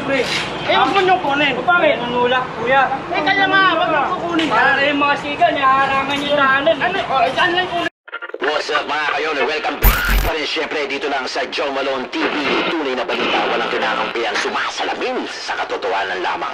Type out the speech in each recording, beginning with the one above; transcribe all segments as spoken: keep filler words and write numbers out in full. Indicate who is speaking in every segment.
Speaker 1: pre. Eh, huwag mo niyong kunin.
Speaker 2: O bakit? Nanulak, kuya.
Speaker 1: Eh, kaya nga, huwag mo kukunin yan.
Speaker 2: Para yung mga siga, nihaharangan yung daanan.
Speaker 1: Ano? O, eh, saan lang kunin?
Speaker 3: What's up mga kayon? Welcome back pa rin syempre dito lang sa Joe Malone T V. Tunay na balita, walang kinakampihan, sumasalamin sa katotohanan lamang.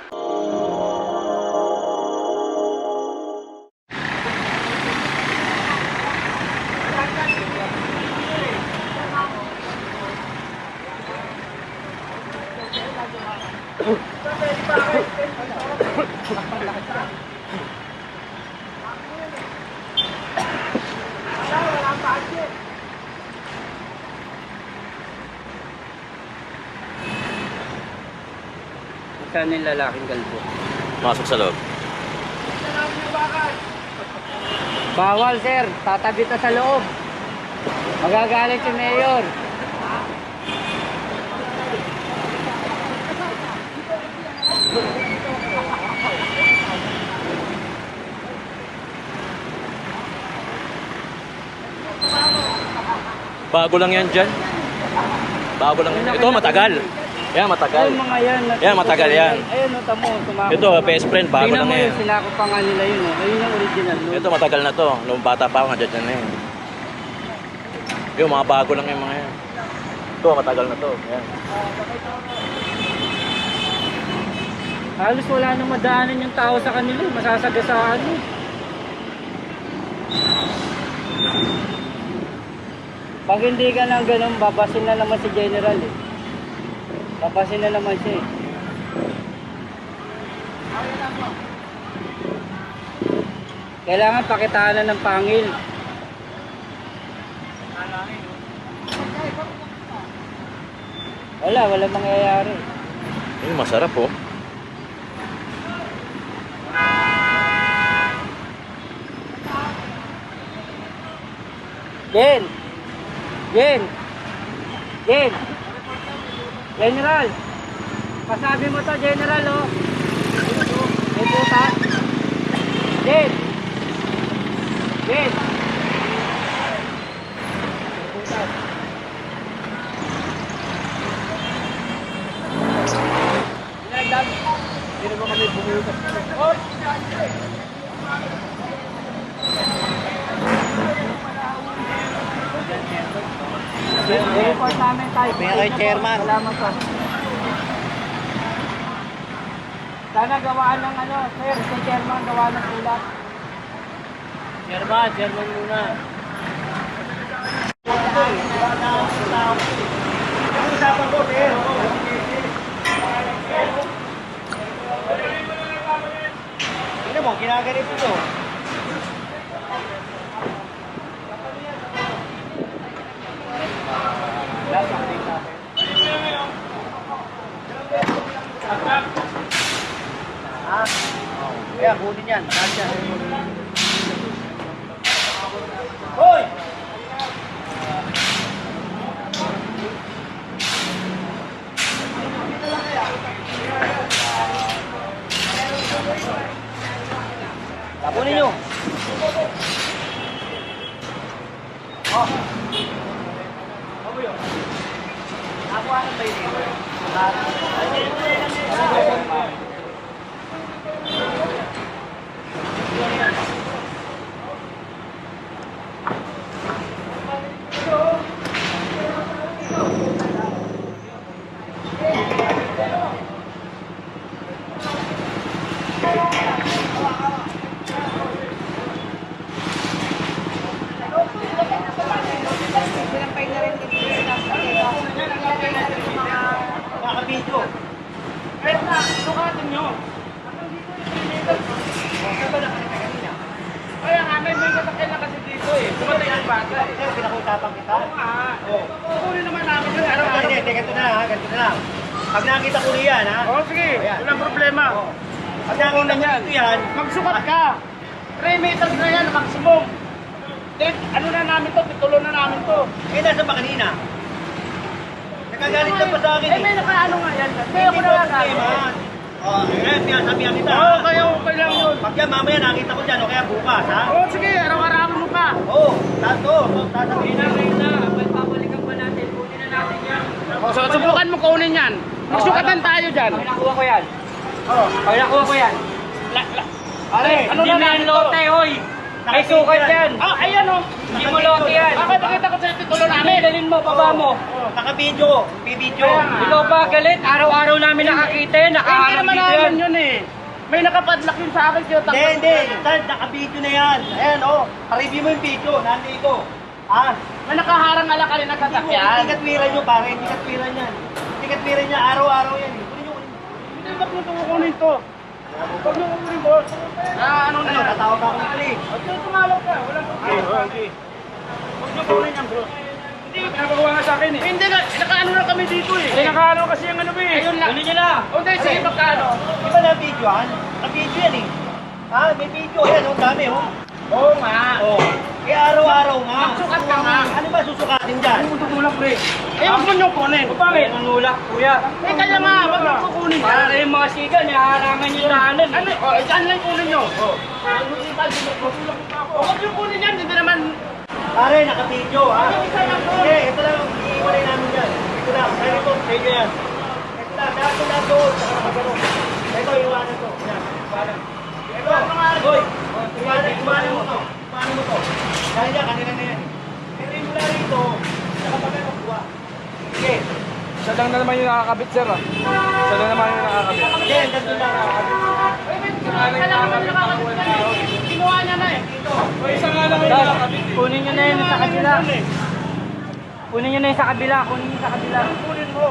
Speaker 2: Saan yung lalaking kalbo?
Speaker 3: Masok sa loob.
Speaker 2: Bawal, sir. Tatabi ta sa loob. Magagalit si Mayor.
Speaker 4: Bago lang yan dyan. Bago lang yan. Ito matagal. Yan, matagal.
Speaker 2: Ayun mga yan.
Speaker 4: Yan, matagal yan.
Speaker 2: Ayun, no, tamo. Tumakot.
Speaker 4: Ito, best friend, bago
Speaker 2: Tingnan
Speaker 4: lang
Speaker 2: mo
Speaker 4: yan.
Speaker 2: yun, sinako pa nga nila yun. Oh. Ayun yung original. No?
Speaker 4: Ito, matagal na to. Nung bata pa ako, nandiyan dyan na yun. Yung mga bago lang yung mga yan. Ito, matagal na to. Yan.
Speaker 2: Halos wala nang madaanan yung tao sa kanila. Masasagasaan mo. Pag hindi ka nang ganun, babasin na naman si General eh. Babasin na naman siya eh. Kailangan pakitaan na ng pangil. Wala, wala mangyayari.
Speaker 4: Yung masarap oh.
Speaker 2: Jen! Jen! Jen! General! Pasabi mo to, General, oh. May putas. Jen! Jen! May putas. Pinagdam. Hindi mo kami bumutas. Oh! I-report namin tayo.
Speaker 1: May chairman.
Speaker 2: Salamat po. Sana gawaan ng ano, sir, si chairman gawa ng ulat. Chairman, chairman muna.
Speaker 1: Usapan ko, sir. Tingnan mo, ginaganito to. Ah, kaya kunin yan. Kasya. Hoy! Tapunin nyo. Oh. Ano yun? Ako ano ba yun? Nakabidyo. Pero na, sukatin nyo. Kaya ba nakalita kanina? Kaya nga, may may kasakyan na kasi dito eh. Sumatay ang bata eh. Sir, pinakutapan kita? Oo nga. Kukunin naman namin yung araw-araw. Hindi, hindi, ganito na ha, ganito na lang. Pag nakita ko niyan ha. Oo, sige. Walang problema. Pag nakita ko nito yan, magsukat ka. three meters na yan, maximum. Eh, ano na namin to, pitulo na namin to. Eh, nasa ba kanina? Nagagalit ka pa sa akin. Eh, may nakaano nga yan. Kaya ako na nga. Oh, eh, pinasabihan kita. Oo, oh, kaya okay lang yun. Pag yan, mamaya nakita ko dyan, o kaya bukas, ha? Oo, oh, sige, araw-araw mo pa. Oo, oh, tato, sasabihin na. Ngayon na, babalikan pa natin, kunin na natin yan. Oh, so, subukan mo kunin yan. Magsukatan tayo dyan.
Speaker 2: Pag nakuha ko yan.
Speaker 1: Oh.
Speaker 2: Pag nakuha ko yan.
Speaker 1: La, la. Pare,
Speaker 2: Ano na yan, lote, hoy. May sukat yan.
Speaker 1: Ah, ayan oh.
Speaker 2: Hindi mo lote yan.
Speaker 1: Bakit nakita ko sa titulo namin?
Speaker 2: Dalhin mo, baba mo.
Speaker 1: Naka-video. Bibidyo.
Speaker 2: Ikaw ba galit? Araw-araw namin nakakita yan.
Speaker 1: Hindi
Speaker 2: Nakaharap
Speaker 1: naman
Speaker 2: dito yan.
Speaker 1: namin yun eh. May nakapadlock yun sa akin. Hindi, hindi. Saan? Naka-video na yan. Ayan oh. Pa-review mo yung video. Nandito. Ah. May nakaharang alakali na sasakyan. Hindi katwiran nyo pare. Hindi katwiran yan. Hindi katwiran niya. Araw-araw yan eh. Kunin nyo, kunin nyo. Hindi, ba't mo ito kukunin to? Huwag nyo kukunin boss. Ah, ano na? Tatawag ako ng police. Huwag nyo tumalog ka. Walang problema. Okay. Huwag nyo kunin yan bro. Hindi, pinapagawa nga sa akin eh. Hindi nga, nakaano na kami dito eh. Hindi, nakaano kasi yung ano eh. Ayun lang. Kunin nyo na. O hindi, sige magkano. Di ba na-video yan? Na-video yan eh. Ha? May video yan. Ang dami oh. Oo nga. Oo. Eh araw-araw nga. Magsukat ka nga. Ano ba susukatin dyan? Ano tutulak pre? Eh huwag mo nyo kunin.
Speaker 2: Bakit? Nanulak, kuya.
Speaker 1: Eh kaya nga, wag mo kukunin
Speaker 2: Para
Speaker 1: yan.
Speaker 2: kayong mga siga, naharangan yung daanan.
Speaker 1: Ano? O, eh, dyan lang kunin nyo. O. Huwag nyo kunin yan. Hindi naman. Pare, naka-video ha. Hindi, ito lang. Iiwalay namin yan. Ito lang. Kaya ito, sa inyo yan. Ito lang. Dahil ito lang doon. Saka nakagano. Ito, iwanan to. Yan. Iwanan. Ito, boy. Iwanan, iwanan mo to. Iwanan mo to. Dahil yan, kanina na yan. Pero yung mula rito, nakapagano kuha. Sige.
Speaker 5: Siya lang na naman yung nakakabit, sir. Ah. Siya lang naman yung nakakabit.
Speaker 1: Hindi, ganito lang nakakabit. Kinuha niya na eh. Dito.
Speaker 5: O, isa nga lang yung
Speaker 2: Dad,
Speaker 5: nakakabit.
Speaker 2: kunin nyo na yun sa kabila. Kunin nyo na yun sa kabila. Kunin nyo sa kabila.
Speaker 1: Kunin mo.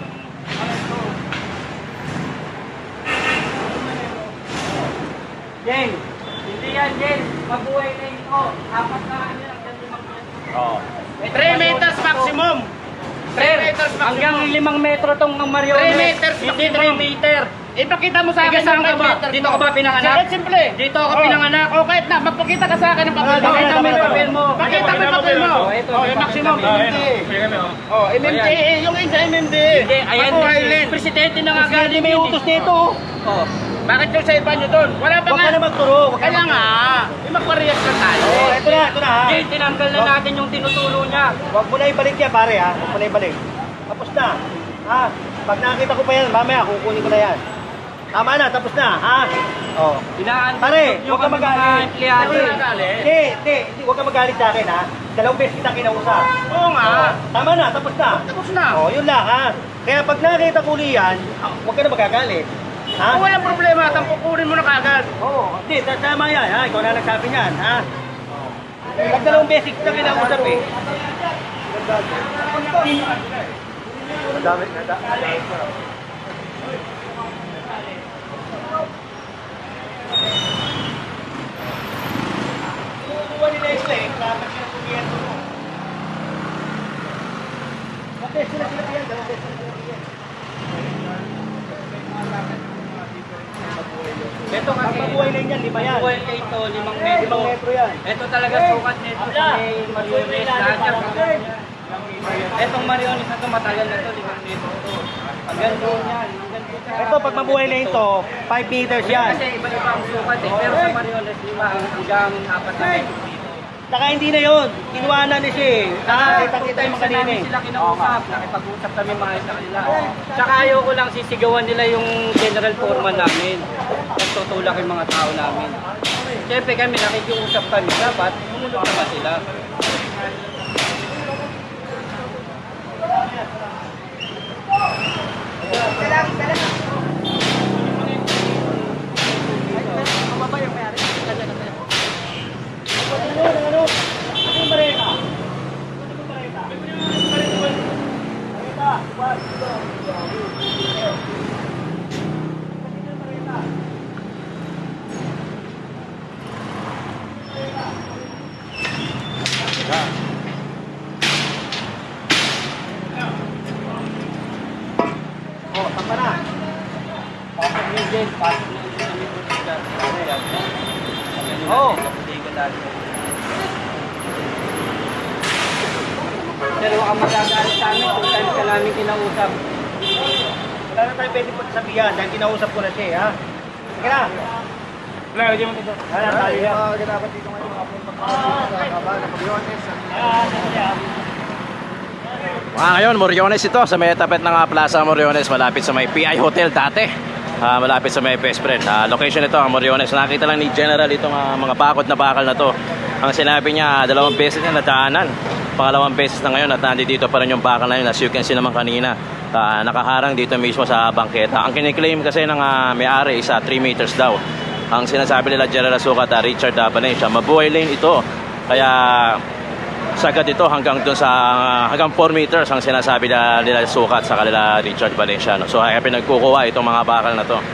Speaker 2: Jeng, hindi yan, Jeng. Mabuhay na ito. Apat na ano yan. Hanggang limang metro.
Speaker 4: Oo.
Speaker 1: three meters maximum. three meters maximum.
Speaker 2: Hanggang limang metro tong mariones.
Speaker 1: three meters
Speaker 2: Hindi
Speaker 1: maximum.
Speaker 2: three meter.
Speaker 1: Ipakita mo sa akin
Speaker 2: Sige, saan
Speaker 1: yung
Speaker 2: ka
Speaker 1: five
Speaker 2: ba?
Speaker 1: meters
Speaker 2: Dito
Speaker 1: mo.
Speaker 2: ka ba pinanganak?
Speaker 1: Sige, simple.
Speaker 2: Dito ako
Speaker 1: Oh.
Speaker 2: pinanganak.
Speaker 1: O, kahit na, magpakita ka sa akin ng papel.
Speaker 2: Pakita mo yung papel mo.
Speaker 1: Pakita mo yung papel mo.
Speaker 2: Oh, ito,
Speaker 1: Oh,
Speaker 2: may
Speaker 1: yung maximum,
Speaker 2: papel kami.
Speaker 1: M M D A. Oh, M M D A. Yung isa M M D A.
Speaker 2: Hindi, ayan.
Speaker 1: Ako, Highland.
Speaker 2: Presidente na nga
Speaker 1: Presidente
Speaker 2: galing
Speaker 1: may
Speaker 2: yun,
Speaker 1: utos
Speaker 2: eh.
Speaker 1: nito.
Speaker 2: Oh.
Speaker 1: Bakit yung sa iba nyo doon? Wala pa
Speaker 6: Huwag
Speaker 1: nga.
Speaker 6: ka na magturo. Huwag ka
Speaker 1: Kaya
Speaker 6: na
Speaker 1: nga, eh, magpa-react na tayo.
Speaker 6: Oh, ito na, ito na ha.
Speaker 2: Jeng, tinanggal na natin yung tinutulo niya.
Speaker 6: Huwag mo na ibalik yan pare ha. Huwag mo na ibalik. Tapos na. Ha? Pag nakita ko pa yan, mamaya kukunin ko na yan. Tama na, tapos na. Ha? Oh.
Speaker 2: Inaantay
Speaker 6: Pare,
Speaker 2: nyo
Speaker 6: huwag ka
Speaker 2: kami mga
Speaker 6: magalit.
Speaker 2: empleyado.
Speaker 1: Huwag ka magalit.
Speaker 6: Hindi, hindi, hindi. Huwag ka magalit sa akin ha. Dalawang beses kita kinausap.
Speaker 1: Oo nga.
Speaker 6: Oh, tama na, tapos na.
Speaker 1: Tapos na.
Speaker 6: Oh, yun lang ha. Kaya pag nakita ko yan, huwag ka na magagalit. Ha?
Speaker 1: Kung walang problema, tampukunin mo na kagad.
Speaker 6: Oo, oh, hindi, ta- tama yan ha. Ikaw na nagsabi niyan ha. Pag dalawang beses kita kinausap eh. Madami, madami. Kukuha nila yung slate, dapat sila kumiyan mo. Okay, sila sila yan, dalawang beses sila kumiyan.
Speaker 2: Ito kasi,
Speaker 6: Ang mabuhay na yan, lima yan.
Speaker 2: buhay ka ito, limang metro.
Speaker 6: Limang metro yan.
Speaker 2: Ito talaga sukat nito sa may mariones lahat yan. Etong mariones na ito, matagal na ito, limang metro ito. Hanggang doon yan, hanggang doon sa...
Speaker 6: Ito, pag mabuhay na ito, five meters yan.
Speaker 2: Kasi iba-iba ang sukat eh, pero sa mariones, lima hanggang apat na metro dito.
Speaker 6: Saka hindi na yun. Kinuha na ni siya eh. Ah, kita-kita yung mga kanina
Speaker 2: namin
Speaker 6: eh.
Speaker 2: sila kinausap, nakipag-usap kami maayos sa kanila. Tsaka ayaw ko lang sisigawan nila yung general foreman namin. Nagtutulak yung mga tao namin. Siyempre kami, nakikiusap kami, dapat sumunod naman sila.
Speaker 6: Ano, ano? Ano yung bareta? Ano yung bareta? Bareta, wag, dito. Oh, tama na.
Speaker 2: Pasok nyo dyan, pasok nyo dyan sa may butika.
Speaker 6: Oo.
Speaker 2: Pero ang magagalit sa amin, two times ka namin kinausap.
Speaker 6: Wala na tayo pwede pagsabihan dahil kinausap ko na siya, ha? Sige na.
Speaker 5: Wala, hindi mo ito.
Speaker 6: Wala na tayo yan.
Speaker 5: Dapat dito ngayon mga pagkakaroon sa kaba, nakabiones.
Speaker 6: Ah, sige na.
Speaker 4: Mga ngayon, Moriones ito, sa may tapet ng ah, Plaza Moriones, malapit sa may P I Hotel dati. Ah, malapit sa may best friend. Ah, location ito, ang Moriones. Nakita lang ni General itong ah, mga bakod na bakal na to. Ang sinabi niya, dalawang beses niya nataanan. Pangalawang beses na ngayon at nandito pa rin yung bakal na yun. As you can see naman kanina, ah, nakaharang dito mismo sa bangketa. Ang kiniklaim kasi ng ah, may-ari is three meters daw. Ang sinasabi nila General Sukat, uh, Richard uh, Valencia, mabuhay lane ito. Kaya sagad ito hanggang dun sa uh, hanggang four meters ang sinasabi nila, nila Sukat sa kanila Richard Valencia. No? So kaya pinagkukuha itong mga bakal na to.